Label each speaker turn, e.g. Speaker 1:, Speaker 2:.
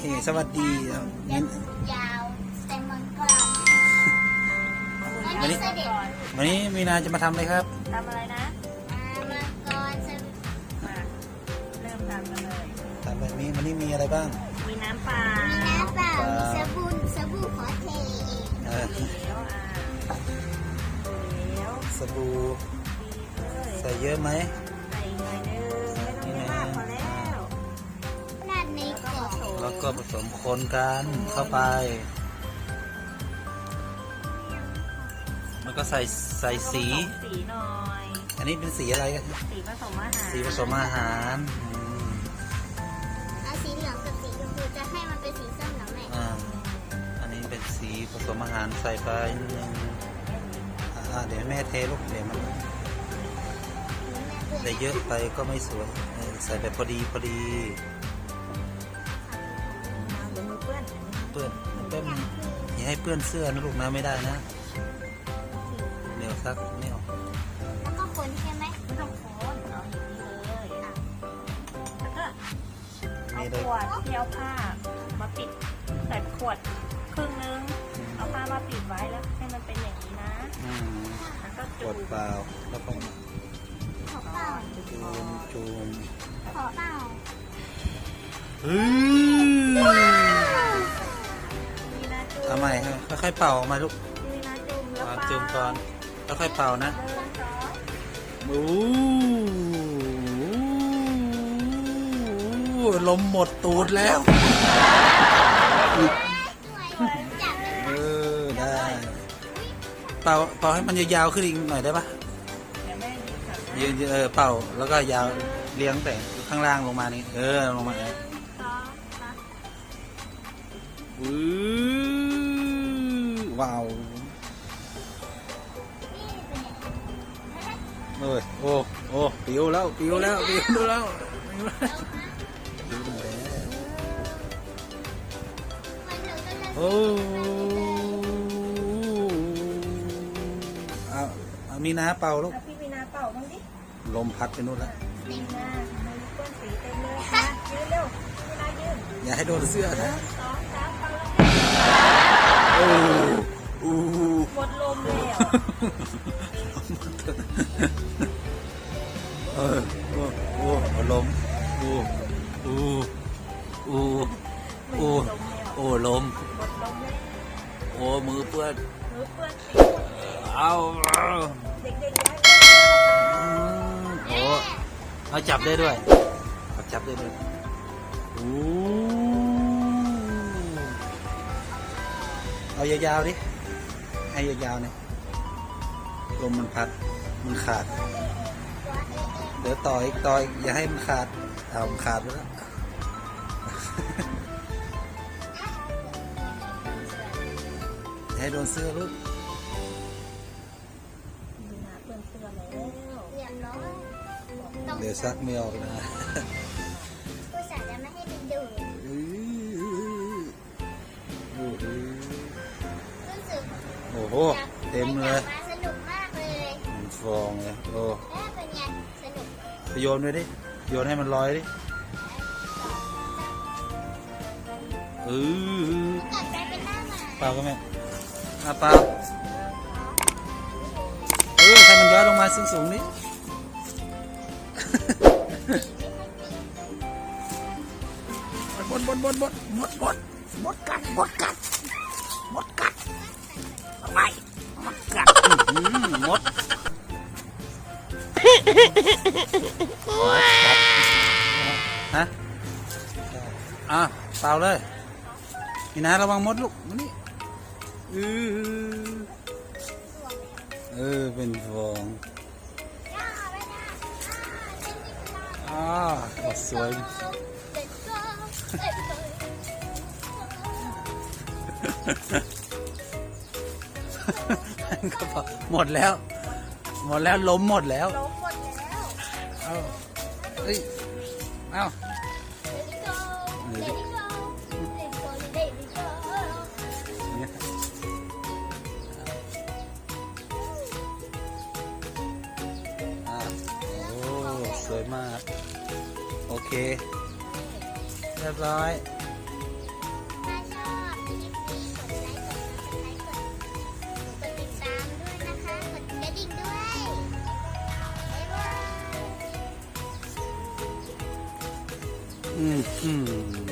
Speaker 1: สวัสดีงั้น
Speaker 2: ยาวแต่มังกร
Speaker 1: วันนี้มีนาจะมาทำอะไรครับ
Speaker 3: ทำอะไรนะ
Speaker 2: มังกร
Speaker 3: มาเริ่มทำกันเลย
Speaker 1: ทำแบบนี้วันนี้มีอะไรบ้าง
Speaker 3: มีน้ำเปล่า
Speaker 2: มีน้ำเปล่ามีสบู่ขอเท
Speaker 3: เหลวเหลว
Speaker 1: สบู่ใส่เยอะไหม
Speaker 3: ใส่หน่อยนึงไม่ต้องเยอะมากพอแล้ว
Speaker 2: ราดในกล่อง
Speaker 1: แล้วก็ผสมคนกันเข้าไปแล้วก็ใส่สี
Speaker 3: หน่อย
Speaker 1: อันนี้เป็นสีอะไรกัน
Speaker 3: สีผสมอาหาร
Speaker 1: สีผสมอาหาร
Speaker 2: สีเหลืองกับสีชมพูจะให้มันเป็นสีส้มหรือไม่
Speaker 1: อันนี้เป็นสีผสมอาหารใส่ไปนิดนึงเดี๋ยวแม่เทลูกเดี๋ยวมันใส่เยอะไปก็ไม่สวยใส่แบบพอดี
Speaker 3: เปื้อน
Speaker 1: อย่าให้เปื้อนเสื้อนะลูกนะไม่ได้นะเดี๋ยวซักไม่ออก
Speaker 2: แล้วก็คนใช่ไหม
Speaker 3: ไม่ต้องคนเอาอย่างนี้เลยแล้วก็เอาขวดที่เอาผ้ามาปิดใส่ขวดครึ่งนึงเอาผ้ามาปิดไว้แล้วให้มันเป็นอย่างนี้นะแล้วก็
Speaker 1: ขวดเปล่าแล้วก็
Speaker 2: ขอเปล่า
Speaker 1: จูม
Speaker 2: ขอเปล่า
Speaker 1: ทำไมค่อยๆเป่าออกมาลูกจุ่มก่อนค่อยๆเป่านะลมหมดตูดแล้วได้เป่าให้มันยาวๆขึ้นอีกหน่อยได้ปะยืนเป่าแล้วก็ยาวเลี้ยงแต่ข้างล่างลงมานี่ลงมาว้าวโอ้ปิวแล้วโอ้เอามีน้าเป่าลูก
Speaker 3: พี่มีนาเป่าบ้างดิ
Speaker 1: ลมพัดไปนู่นแล้ว
Speaker 3: มีนามันก้นสีเต็มเลยค่ะยืนเร็วมีนายืน
Speaker 1: อย่าให้โดนเสื้อนะ
Speaker 3: 2 3เป่าแล้วหมดลมเลย
Speaker 1: ลมลมมือเปื้อนเอา
Speaker 3: เด็ก
Speaker 1: ๆเอาจับได้ด้วยเอายาวๆดิให้ยาวๆเนี่ยลมมันพัดมันขาดเดี๋ยวต่ออีกอย่าให้มันขาดมันขาดไปแล้วให้โดนเสื้อลูกเดี๋ยวซักไม่ออกนะ
Speaker 2: ผู้สาวจะไม่ให้ดึงดูดรู้สึก
Speaker 1: โอ้โหเต็มเลย
Speaker 2: สนุกมากเลย
Speaker 1: ฟองเลย
Speaker 2: เป็นไงสนุก
Speaker 1: ไปโยนด้วยดิโยนให้มันลอยดิ
Speaker 2: กัดไปเป็นหน้าหมา
Speaker 1: เปล่าก็แม่เปล่าให้มันย้อยลงมาสูงๆนิดบดกัดอะไรมดกัดมดฮะเปล่าเลยนี่นะระวังมดลูกมานี่เป็นฟองสวยก็หมดแล้วล้มหมดแล้วเอาสวยมากโอเคเรียบร้อยอืมอืม